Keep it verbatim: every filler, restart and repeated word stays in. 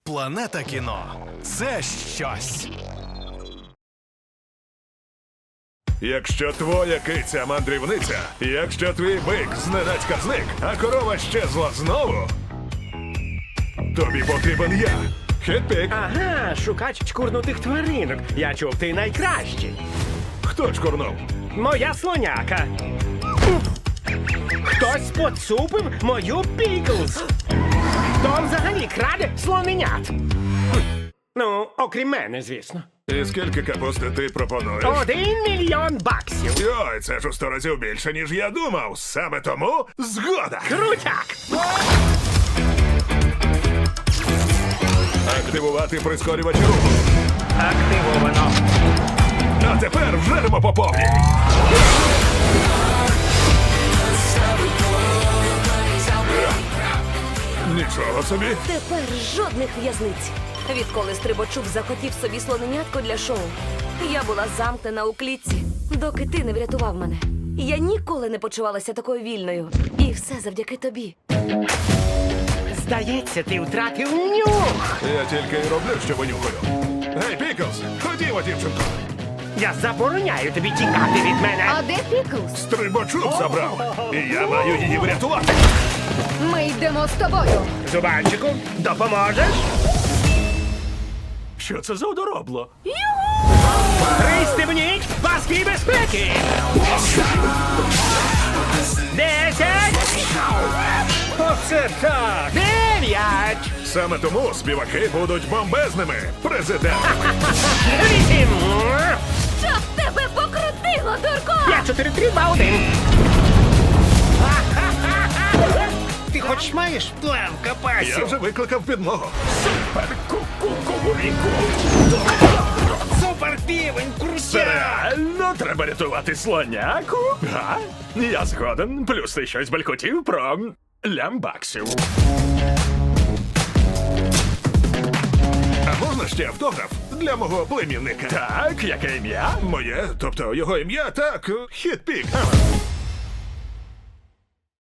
Планета кіно – це щось. Якщо твоя киця мандрівниця, якщо твій бик зненацька зник, а корова щезла знову, тобі потрібен я. Хетпік. Ага, шукач чкурнутих тваринок. Я чув, ти найкращий. Хто чкурнув? Моя слоняка. Хтось поцупив мою Піклз. Хто взагалі краде слоненят? Хм. Ну, окрім мене, звісно. І скільки капусти ти пропонуєш? Один мільйон баксів. Йой, це ж у сто разів більше, ніж я думав. Саме тому згода. Крутяк! Активувати прискорювач руху. Активовано. А тепер вжеремо по повній. Нічого собі. Тепер жодних в'язниць. Відколи Стрибачук захотів собі слоненятко для шоу, я була замкнена у клітці, доки ти не врятував мене. Я ніколи не почувалася такою вільною. І все завдяки тобі. Здається, ти втратив нюх. Я тільки й роблю, що винюхаю. Гей, Піклз, ходімо, дівчинко. Я забороняю тобі тікати від мене. А де Піклз? Стрибачок забрав. І я маю її врятувати. Ми йдемо з тобою. Зубанчику, допоможеш? Що це за одоробло? Пристебніть паски безпеки! Десять! Оце так! Дев'ять! Саме тому співаки будуть бомбезними. Президент. Вісім! Щоб тебе покрутило, дурко! П'ять, чотири, три, два, один! Ти хоч маєш план Я капасів? вже викликав підмогу. Супер півень, крутяк! Реально треба рятувати слоняку? Га? Я згоден. Плюс ти щось балькотів про лямбаксів. А можна ще автограф для мого племінника? Так, яке ім'я? Моє, тобто його ім'я, так, Хітпік. Ага.